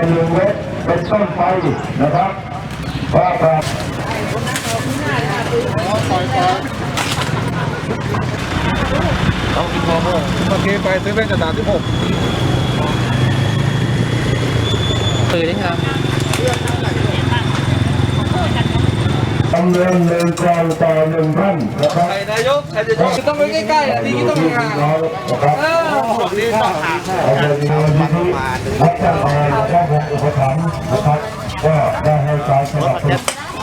1 เมตรเป็นต้นไปนะครับว่าการต้องกินพอเมื่อไปซื้อเป็นกระดาษที่6ตื่นได้ครับดำเนิน1 กล่องต่อ 1 ท่านนะครับนายกใครจะต้องไปใกล้ๆดีที่ต้องห่างนะครับนี่ต้องห่างเอาไปดีที่รัฐบาลและวงอุปถัมภ์นะครับก็ได้ให้การสนับสนุน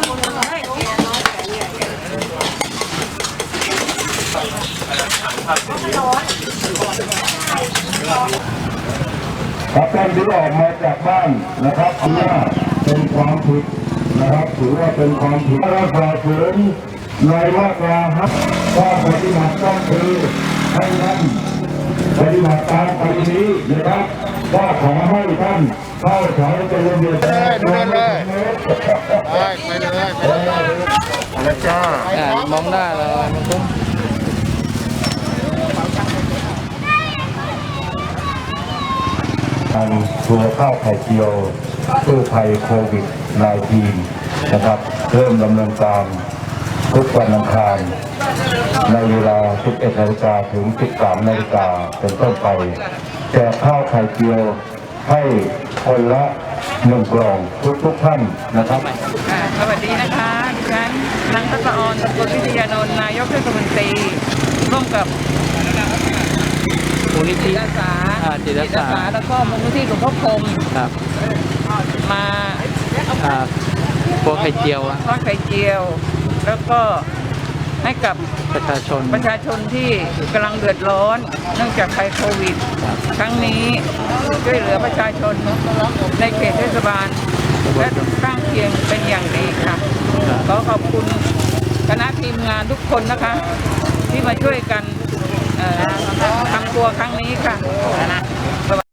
ครับท่านที่ออกมาจากบ้านนะครับถือว่าเป็นความผิดนะครับถือว่าเป็นความผิดถ้าเราฝ่าฝืนในมาตราครับก็ปฏิบัติต้องคือให้ท่านปฏิบัติตามปฏินี้นะครับก็ขอให้ท่านเข้าแถวเป็นระเบียบเลยไปเลยแล้วจ้ามองหน้าเลยมันคุ้มทางทัวร์ข้าวไข่เจียวกู้ภัยโควิด-19 นะครับเริ่มดำเนินการทุกวันอังคารในเวลา 11 นาฬิกาถึง 13 นาฬิกาเป็นต้นไปแจกข้าวไข่เจียวให้คนละ1 กล่องทุกท่านนะครับสวัสดีนะคะดิฉันนางทัศอร สกุลวิทยานนท์นายกเทศมนตรีร่วมกับมูลนิธิจิตอาสาแล้วก็มูลนิธิหลวงพ่อคงครับมาพวกไข่เจียวทอดไข่เจียวแล้วก็ให้กับประชาชนที่กำลังเดือดร้อนเนื่องจากภัยโควิดครั้งนี้ช่วยเหลือประชาชนในเขตเทศบาลและข้างเคียงเป็นอย่างดีค่ะขอขอบคุณคณะทีมงานทุกคนนะคะที่มาช่วยกันทำตัวครั้งนี้ค่ะ